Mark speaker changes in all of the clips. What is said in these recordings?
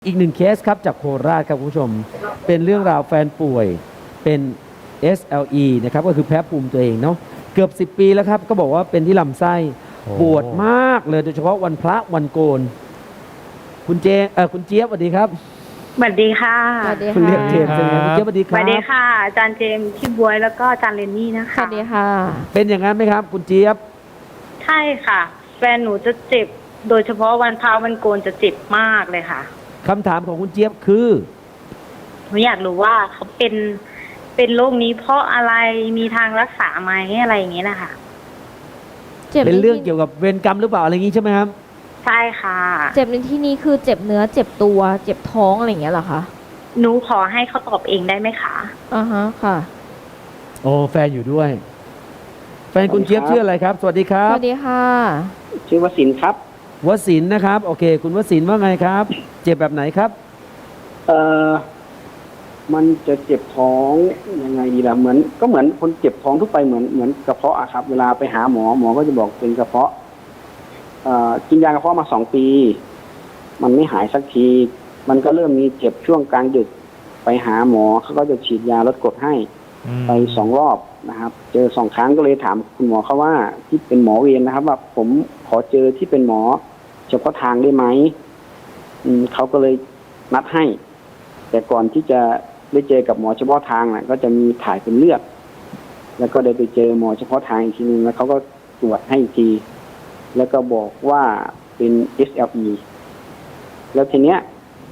Speaker 1: อีกหนึ่งเคสครับจากโคราชครับคุณผู้ชมเป็นเรื่องราวแฟนป่วยเป็น SLE นะครับก็คือแพ้ภูมิตัวเองเนาะเกือบ10 ปีแล้วครับก็บอกว่าเป็นที่ลำไส้ปวดมากเลยโดยเฉพาะวันพระวันโกนคุณคุณเจี๊ยบสวัสดีครับ
Speaker 2: สวัสดีค่ะ
Speaker 3: สวัสดี
Speaker 1: คุณ
Speaker 3: ค่ะ
Speaker 1: เรียกเจมส์ใช่ไหมคุณเจี๊ยบสวัสดีค
Speaker 2: ส
Speaker 1: รับ
Speaker 2: วัสดีค่ะอาจารย์เจมส์พี่บวยแล้วก็อาจารย์เรนนี่นะ
Speaker 3: ส
Speaker 2: คะ
Speaker 3: วัสดีค่ะ
Speaker 1: เป็นอย่างนั้นไหมครับคุณเจี๊ยบ
Speaker 2: ใช่ค่ะ แฟนหนูจะเจ็บโดยเฉพาะวันพระวันโกนจะเจ็บมากเลยค่ะ
Speaker 1: คำถามของคุณเจี๊ยบคือ
Speaker 2: หนูอยากรู้ว่าเขาเป็นโรคนี้เพราะอะไรมีทางรักษาไหมอะไรอย่างเงี้ยนะคะ
Speaker 3: เจ็บ
Speaker 1: เป็นเรื่อง
Speaker 3: ในที่
Speaker 1: เกี่ยวกับเวรกรรมหรือเปล่าอะไรอย่างนี้ใช่ไหมครับ
Speaker 2: ใช่ค่ะ
Speaker 3: เจ็บในที่นี้คือเจ็บเนื้อเจ็บตัวเจ็บท้องอะไรอย่างเงี้ยเหรอคะ
Speaker 2: หนูขอให้เขาตอบเองได้ไหมคะ
Speaker 3: อ่าฮะค่ะ
Speaker 1: โอ้แฟนอยู่ด้วย แฟนคุณเจี๊ยบชื่ออะไรครับ สวัสดีครั
Speaker 3: ส
Speaker 1: บ
Speaker 3: วัสดีค่ะ
Speaker 4: ชื่อวสินทร์ครับ
Speaker 1: วสินทร์นะครับโอเค คุณวสินทร์ว่าไงครับ เจ็บแบบไหนครับ
Speaker 4: เอ่อมันจะเจ็บท้องยังไงดีล่ะเหมือนคนเจ็บท้องทั่วไปเหมือนกระเพาะอะครับ เวลาไปหาหมอก็จะบอกเป็นกระเพาะกินยากระเพาะมา2 ปี มันไม่หายสักที มันก็เริ่มมีเจ็บช่วงกลางดึกไปหาหมอเขาก็จะฉีดยาลดกรดให้ไป2 รอบนะครับ เจอ2 ครั้งก็เลยถามคุณหมอเขาว่าที่เป็นหมอเวรนะครับ ว่าผมขอเจอที่เป็นหมอเฉพาะทางได้ไหมเขาก็เลยนัดให้ แต่ก่อนที่จะได้เจอกับหมอเฉพาะทางน่ะก็จะมีถ่ายเป็นเลือดแล้วก็ได้ไปเจอหมอเฉพาะทางอีกทีนึงแล้วเขาก็ตรวจให้อีกที แล้วก็บอกว่าเป็น SLE แล้วทีเนี้ย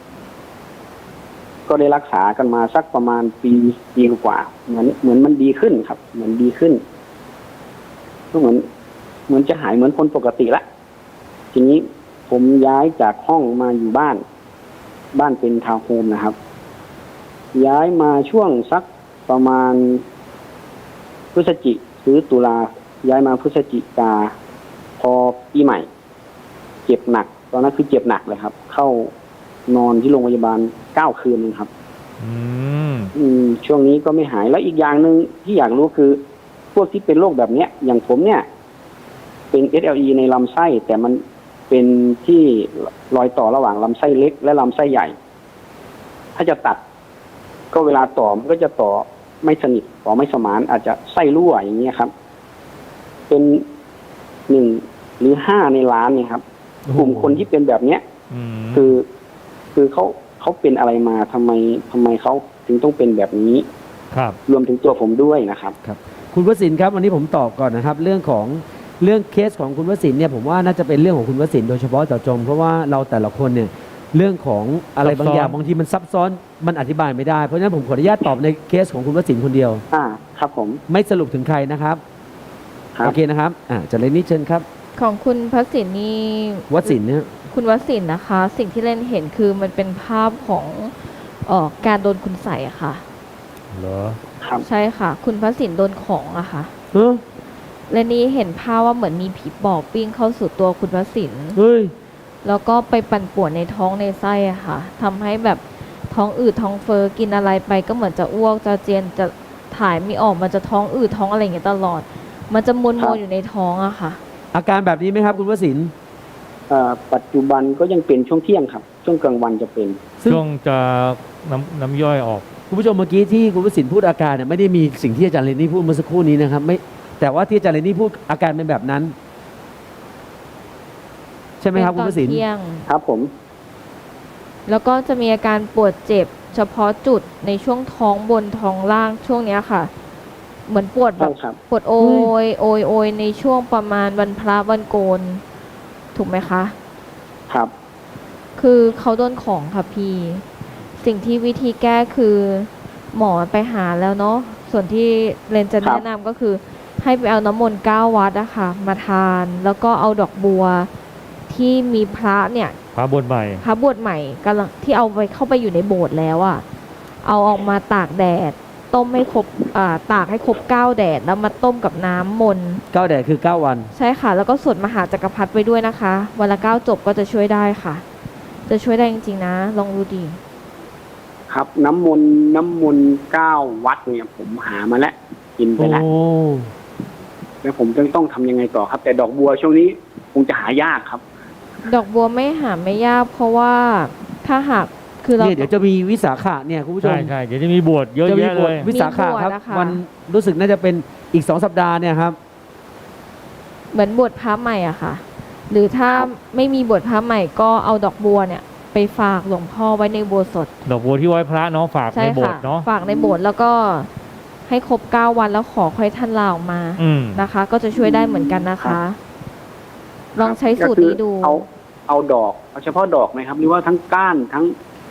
Speaker 4: ก็ได้รักษากันมาสักประมาณปีกว่าเหมือนมันดีขึ้นครับ เหมือนดีขึ้นก็เหมือนจะหายเหมือนคนปกติละทีนี้ผมย้ายจากห้องมาอยู่บ้านเป็นทาวน์โฮมนะครับ ย้ายมาช่วงสักประมาณพฤศจิหรือตุลาย้ายมาพฤศจิกาพอปีใหม่เจ็บหนักตอนนั้นคือเจ็บหนักเลยครับ เข้านอนที่โรงพยาบาล9 คืนนึงครับช่วงนี้ก็ไม่หายแล้วอีกอย่างหนึ่งที่อยากรู้คือพวกที่เป็นโรคแบบเนี้ยอย่างผมเนี่ยเป็น SLE ในลำไส้แต่มันเป็นที่รอยต่อระหว่างลำไส้เล็กและลำไส้ใหญ่ถ้าจะตัดก็เวลาต่อมันก็จะต่อไม่สนิทต่อไม่สมานอาจจะไส้รั่วอย่างเงี้ยครับ เป็น1 หรือ 5 ในล้านเนี่ยครับกลุ่มคนที่เป็นแบบเนี้ยคือเขาเป็นอะไรมาทำไมเขาถึงต้องเป็นแบบนี้
Speaker 1: ครับ
Speaker 4: รวมถึงตัวผมด้วยนะครับ
Speaker 1: ครับคุณวสินทร์ครับวันนี้ผมตอบก่อนนะครับเรื่องเคสของคุณวสินทร์เนี่ยผมว่าน่าจะเป็นเรื่องของคุณวสินทร์โดยเฉพาะเจาะจงเพราะว่าเราแต่ละคนเนี่ยเรื่องของอะไรบางอย่างบางทีมันซับซ้อนมันอธิบายไม่ได้เพราะฉะนั้นผมขออนุญาตตอบในเคสของคุณวสินทร์คนเดียว
Speaker 4: ครับผม
Speaker 1: ไม่สรุปถึงใครนะครับโอเคนะครับจะเลยนี่เชิญครับ
Speaker 3: ของคุณพระสินนี่
Speaker 1: วสินทร์เนี่ย
Speaker 3: คุณวสินนะคะ สิ่งที่เล่นเห็นคือมันเป็นภาพของการโดนคุณใส่อะค่ะ
Speaker 1: เหรอ
Speaker 4: ครับ
Speaker 3: ใช่ค่ะ คุณพระสินโดนของอะค่ะและนี่เห็นภาพว่าเหมือนมีผีปอบปิ้งเข้าสู่ตัวคุณพระสิน
Speaker 1: เฮ้ย
Speaker 3: แล้วก็ไปปั่นป่วนในท้องในไส้อะค่ะทำให้แบบท้องอืดท้องเฟ้อกินอะไรไปก็เหมือนจะอ้วกจะเจียนจะถ่ายไม่ออกมันจะท้องอืดท้องอะไรอย่างเงี้ยตลอดมันจะมวนอยู่ในท้องอะค่ะ
Speaker 1: อาการแบบนี้ไหมครับคุณวสินทร์
Speaker 4: ปัจจุบันก็ยังเป็นช่วงเที่ยงครับช่วงกลางวันจะเป็น
Speaker 5: ช่วงจะน้ำย่อยออก
Speaker 1: คุณผู้ชมเมื่อกี้ที่คุณวสินทร์พูดอาการเนี่ยไม่ได้มีสิ่งที่อาจารย์เรนนี่พูดเมื่อสักครู่นี้นะครับไม่แต่ว่าที่อาจารย์เรนนี่พูดอาการเป็นแบบนั้นใช่ไหมครับคุณวสินทร์
Speaker 4: ครับผม
Speaker 3: แล้วก็จะมีอาการปวดเจ็บเฉพาะจุดในช่วงท้องบนท้องล่างช่วงเนี้ยค่ะเหมือนปวดแบบปวดโอยในช่วงประมาณวันพระวันโกนถูกไหมคะ
Speaker 4: ครับ
Speaker 3: คือเขาโดนของค่ะพี่สิ่งที่วิธีแก้คือหมอไปหาแล้วเนาะส่วนที่เรนจะแนะนำก็คือให้ไปเอาน้ำมนต์9 วัดอะค่ะมาทานแล้วก็เอาดอกบัวที่มีพระเนี่ย
Speaker 5: พระบวชให
Speaker 3: ม่กำลังที่เอาไปเข้าไปอยู่ในโบสถ์แล้วอะเอาออกมาตากแดดต้มให้ครบตากให้ครบ9 แดดแล้วมาต้มกับน้ำมนต์
Speaker 1: 9 แดดคือ9 วัน
Speaker 3: ใช่ค่ะแล้วก็สวดมหาจักรพรรดิไปด้วยนะคะวันละ9 จบก็จะช่วยได้ค่ะจะช่วยได้จริงๆนะลองดูดี
Speaker 4: ครับน้ำมนต์9 วัดเนี่ยผมหามาแล้วกินไปแล้วแล้วผมต้องทำยังไงต่อครับแต่ดอกบัวช่วงนี้คงจะหายากครับ
Speaker 3: ดอกบัวไม่หาไม่ยากเพราะว่าถ้าหากคือเรา
Speaker 1: เนี่ยเดี๋ยวจะมีวิสาขะเนี่ยคุณผู้ชม
Speaker 5: ใช่ใช่เดี๋ยวจะมีบวชเยอะ
Speaker 1: จะมี
Speaker 5: แยะ
Speaker 1: บ
Speaker 5: เล
Speaker 1: ท
Speaker 5: ย
Speaker 1: วิสาขะครับ
Speaker 3: มีบวชนะคะ
Speaker 1: วันรู้สึกน่าจะเป็นอีก2 สัปดาห์เนี่ยครับ
Speaker 3: เหมือนบวชพระใหม่อะค่ะ หรือถ้าไม่มีบวชพระใหม่ก็เอาดอกบัวเนี่ยไปฝากหลวงพ่อไว้ในอุโบสถ
Speaker 5: ดอกบัวที่ไว้พระเนาะฝาก
Speaker 3: ใช่
Speaker 5: ในโบส
Speaker 3: ค่ะ
Speaker 5: ถ์เนาะ
Speaker 3: ฝากในโบสถ์แล้วก็ให้ครบ9 วันแล้วขอค่อยท่านลาออกมา
Speaker 5: อืม
Speaker 3: นะคะ ก็จะช่วยได้เหมือนกันนะคะ ลองใช้สูตรนี้ดู
Speaker 4: ก็คือเอาดอกเอาเฉพาะดอกไหมครับ หรือว่าทั้งก้านทั้ง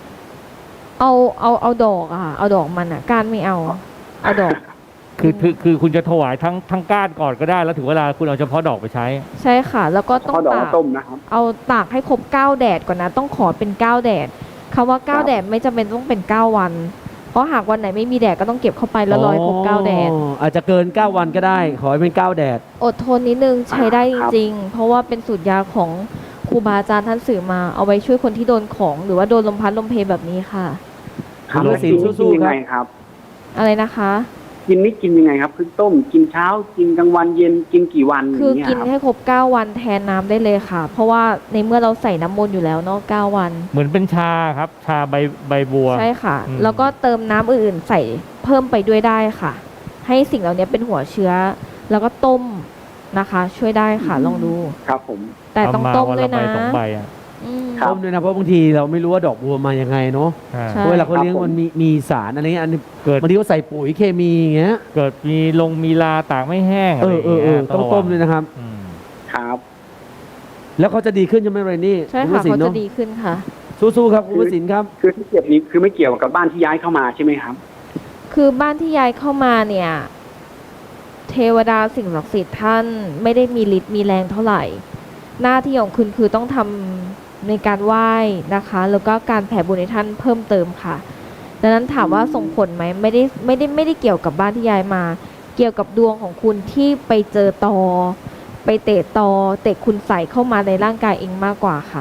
Speaker 3: เอาดอกอะค่ะเอาดอกมันอะก้านไม่เอาดอก
Speaker 5: คือคุณจะถวายทั้งก้านก่อนก็ได้แล้วถึงเวลาคุณเอาเฉพาะดอกไปใช้
Speaker 3: ใช่ค่ะ แล้วก็
Speaker 4: เฉ
Speaker 3: ต้อง
Speaker 4: พาะดอก
Speaker 3: ตาก
Speaker 4: มาต้มนะครับ
Speaker 3: เอาตากให้ครบ9 แดดก่อนนะ ต้องขอเป็น9 แดดคำว่า
Speaker 4: ครับ
Speaker 3: 9 แดดไม่จำเป็นต้องเป็น9 วัน เพราะหากวันไหนไม่มีแดดก็ต้องเก็บเข้าไปแล้วรอให้ครบ9 แดด
Speaker 1: อาจจะเกิน 9 วันก็ได้ ขอให้เป็น 9 แดด
Speaker 3: อดทนนิดนึงใช้ได้จ
Speaker 4: ครับ
Speaker 3: ริงๆ เพราะว่าเป็นสูตรยาของครูบาอาจารย์ท่านสื่อมาเอาไว้ช่วยคนที่โดนของ หรือว่าโดนลมพัดลมเพแบบนี้ค่ะ
Speaker 1: ครับ
Speaker 4: แล้วกินนี่
Speaker 1: สู้
Speaker 4: กิน
Speaker 1: ๆ
Speaker 4: ยัง
Speaker 1: ครับ
Speaker 4: ไงครับ
Speaker 3: อะไรนะคะ
Speaker 4: กินนี่กินยังไงครับคือต้มกินเช้ากินกลางวันเย็นกินกี่วัน
Speaker 3: คือ
Speaker 4: อย่างเงี้ย
Speaker 3: กิน
Speaker 4: ครับ
Speaker 3: ให้ครบ9 วันแทนน้ำได้เลยค่ะ เพราะว่าในเมื่อเราใส่น้ำมนต์อยู่แล้วเนาะ9 วัน
Speaker 5: เหมือนเป็นชาครับ ชาใบบัว
Speaker 3: ใช่ค่ะ
Speaker 5: อืม
Speaker 3: แล้วก็เติมน้ำอื่นๆใส่เพิ่มไปด้วยได้ค่ะ ให้สิ่งเหล่านี้เป็นหัวเชื้อ แล้วก็ต้มนะคะ ช่วยได้ค่ะลองดู
Speaker 4: ครับผม
Speaker 3: แต่ต้อง
Speaker 5: เาา
Speaker 3: ต้ม
Speaker 5: วัน
Speaker 3: ด้ว
Speaker 5: ละ
Speaker 3: ย
Speaker 5: ใบ
Speaker 3: นะ
Speaker 5: 2 ใบอ่ะ
Speaker 3: อืม
Speaker 4: ครับ
Speaker 1: ต้มด้วยนะเพราะบางทีเราไม่รู้ว่าดอกบัวมายังไงเนาะ
Speaker 5: อ่า
Speaker 3: ใช่
Speaker 1: เวลาเขาเลี้ยง
Speaker 4: ครับผม
Speaker 1: มันมีสารอะไรเงี้ยอันนี้
Speaker 5: เกิด
Speaker 1: บางทีเขาใส่ปุ๋ยเคมีอย่างเงี้ย
Speaker 5: เกิดมีลาตากไม่แห้งอะไรอย่างเงี้ย
Speaker 1: ต้องต้มด้วยนะครับ
Speaker 5: อืม
Speaker 4: ครับ
Speaker 1: แล้วเขาจะดีขึ้นใช่ไหมเรนนี่
Speaker 3: ใช่
Speaker 1: ณว
Speaker 3: ค่ะ
Speaker 1: สิน
Speaker 3: เขา
Speaker 1: เน
Speaker 3: จะ
Speaker 1: อะ
Speaker 3: ดีขึ้นค่ะ
Speaker 1: สู้ๆครับคุณวสินครับ
Speaker 4: คือที่เก็บนี้คือไม่เกี่ยวกับบ้านที่ย้ายเข้ามาใช่ไหมครับ
Speaker 3: คือบ้านที่ย้ายเข้ามาเนี่ย เทวดาสิ่งศักดิ์สิทธิ์ท่านไม่ได้มีฤทธิ์มีแรงเท่าไหร่ หน้าที่ของคุณคือต้องทำในการไหว้นะคะ แล้วก็การแผ่บุญให้ท่านเพิ่มเติมค่ะ ดังนั้นถามว่าส่งผลไหมไม่ได้เกี่ยวกับบ้านที่ย้ายมา เกี่ยวกับดวงของคุณที่ไปเจอตอ ไปเตะตอเตะคุณใส่เข้ามาในร่างกายเองมากกว่าค่ะ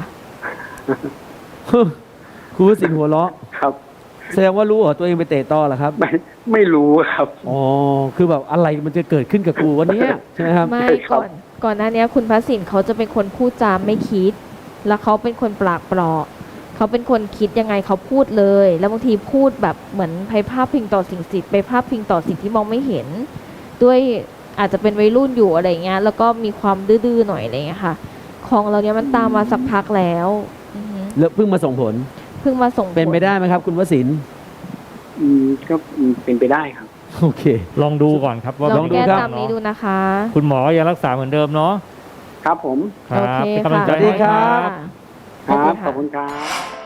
Speaker 1: คุณวสินหัวเราะ
Speaker 4: ครับ
Speaker 1: แสดงว่ารู้เหรอตัวเองไปเตะต่อเหรอครับ
Speaker 4: ไม่รู้ครับ
Speaker 1: อ๋อคือแบบอะไรมันจะเกิดขึ้นกับกูวันเนี้ยใช่ไหมครับ
Speaker 3: ไม่
Speaker 4: ใช่ครับ
Speaker 3: ก่อนหน้านี้คุณพระสินเขาจะเป็นคนพูดจามไม่คิด แล้วเขาเป็นคนปากเปราะเขาเป็นคนคิดยังไงเขาพูดเลย แล้วบางทีพูดแบบเหมือนไปภาพพิงต่อสิ่งศักดิ์สิทธิ์ไปภาพพิงต่อสิ่งที่มองไม่เห็น ด้วยอาจจะเป็นวัยรุ่นอยู่อะไรเงี้ยแล้วก็มีความดื้อๆหน่อยอะไรเงี้ยค่ะ ของเราเนี้ยมันตามมาสักพักแล้วอือฮึ
Speaker 1: แล้วเพิ่งมาส่งผล
Speaker 3: เพิ่งมาส่งผล
Speaker 1: เป็นไปได้ไหมครับ คุณวสิน
Speaker 4: ก็เป็นไปได้ครับ
Speaker 1: โอเค
Speaker 5: ลองดูก่อนครับว่า
Speaker 3: ลอง
Speaker 5: เป็น
Speaker 3: แก้
Speaker 5: ยังไง
Speaker 3: ตามนี้ดูนะคะ
Speaker 5: คุณหมอยังรักษาเหมือนเดิมเนาะ
Speaker 4: ครับผม
Speaker 5: ครับ
Speaker 3: โอเค
Speaker 5: เป็นกำลังใจ
Speaker 1: สวัสดี
Speaker 5: ให้
Speaker 1: ครับ
Speaker 4: ครับ
Speaker 3: สวัสดีค่ะ
Speaker 4: ขอบคุณครับ